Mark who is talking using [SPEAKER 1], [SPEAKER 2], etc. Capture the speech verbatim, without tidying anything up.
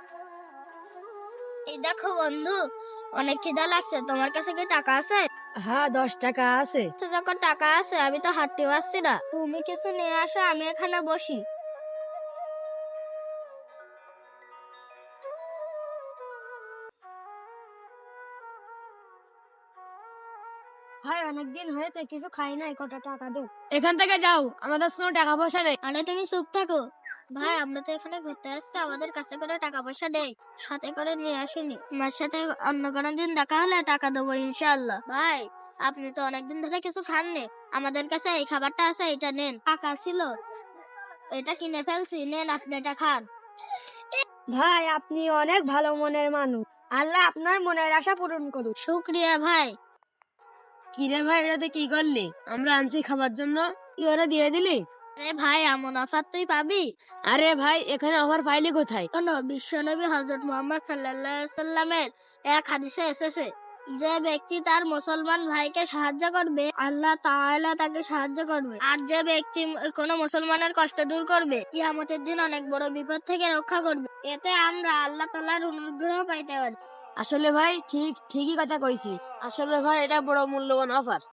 [SPEAKER 1] এই দেখো বন্ধু, অনেক খিদা লাগছে, তোমার কাছে কি টাকা আছে?
[SPEAKER 2] হ্যাঁ, দশ টাকা আছে।
[SPEAKER 1] আচ্ছা, যখন টাকা আছে আমি তো হাঁটতে পারছি না, তুমি কিছু নিয়ে আসো, আমি এখানে বসি।
[SPEAKER 2] ভাই, অনেকদিন হয়েছে কিছু খাই নাই, কত টাকা দেব? এখান থেকে যাও, আমাদের কোনো টাকা পয়সা নেই।
[SPEAKER 1] আরে তুমি চুপ থাকো। ভাই, আমরা তো এখানে ঘুরতে আসছি, আমাদের কাছে কোনো টাকা পয়সা নেই, সাথে করে নিয়ে আসিনি। আমার সাথে অন্য কোনো দিন দেখা হলে টাকা দেবো ইনশাআল্লাহ। ভাই, আপনি তো অনেকদিন ধরে কিছু খাননি, আমাদের কাছে এই খাবারটা আছে, এটা নেন। টাকা ছিল, এটা কিনে ফেলছি, নেন আপনি এটা খান।
[SPEAKER 2] ভাই, আপনি অনেক ভালো মনের মানুষ, আল্লাহ আপনার মনের আশা পূরণ করুক।
[SPEAKER 1] শুক্রিয়া ভাই।
[SPEAKER 2] কিরে ভাই, এটাতে কি করলি? আমরা আনছি খাবার জন্য, তুই ওরা দিয়ে দিলি?
[SPEAKER 1] আরে ভাই, এমন অফার তুই পাবি?
[SPEAKER 2] আরে ভাই, এখানে অফার পাইলি কোথায়?
[SPEAKER 1] শোনো, বিশ্বনবী হযরত মুহাম্মদ সাল্লাল্লাহু আলাইহি সাল্লামের এক হাদিসে এসেছে, যে ব্যক্তি তার মুসলমান ভাইকে সাহায্য করবে, আল্লাহ তাআলা তাকে সাহায্য করবে। আর যে ব্যক্তি কোনো মুসলমানের কষ্ট দূর করবে, কিয়ামতের দিন অনেক বড় বিপদ থেকে রক্ষা করবে। এতে আমরা আল্লাহ তাআলার অনুগ্রহ পাইতে পারি।
[SPEAKER 2] আসলে ভাই, ঠিক ঠিকই কথা কইছি। আসলে ভাই, এটা বড় মূল্যবান অফার।